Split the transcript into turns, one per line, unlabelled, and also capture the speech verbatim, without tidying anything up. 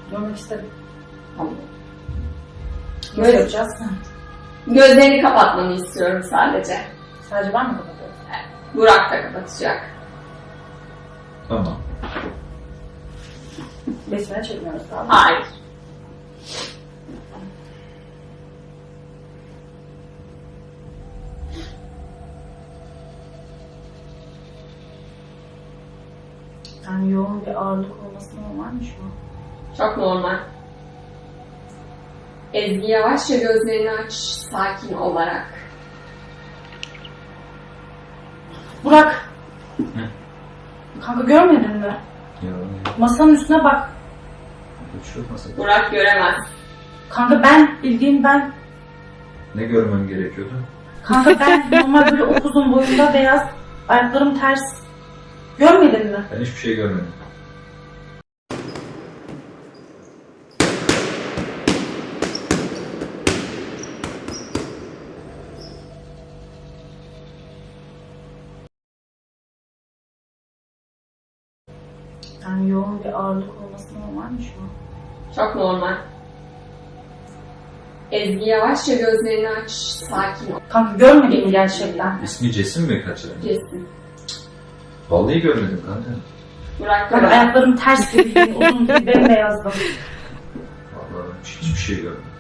Görmek istedim.
Tamam.
Nasıl
Göz,
yapacağız?
gözlerini kapatmanı istiyorum sadece.
Sadece ben mi kapatıyorum?
Burak da kapatacak.
Tamam.
Besmele çekmiyoruz galiba.
Hayır.
Yani yoğun bir ağırlık olması normal mi şu an?
Çok normal. Ezgi yavaşça gözlerini aç, sakin olarak.
Burak!
Hı?
Kanka görmedin mi?
Ya,
Masanın üstüne bak.
şu nasıl?
Burak göremez.
Kanka ben, bildiğin ben.
Ne görmem gerekiyordu?
Kanka ben normal böyle upuzun boyunda beyaz, ayaklarım ters. Görmedin mi?
Ben hiçbir şey görmedim.
Yani yoğun bir ağırlık olması normal mi şu an?
Çok normal. Ezgi yavaşça gözlerini aç, sakin ol.
Kanka görmedin mi gerçekten?
İsmi Cesim mi kaçırdın?
Kesin.
Vallahi görmedim kanka.
Burak
Kanka
göremez.
ayaklarım ters gibi, uzun gibi bembeyazdım.
Vallahi hiçbir şey görmedim.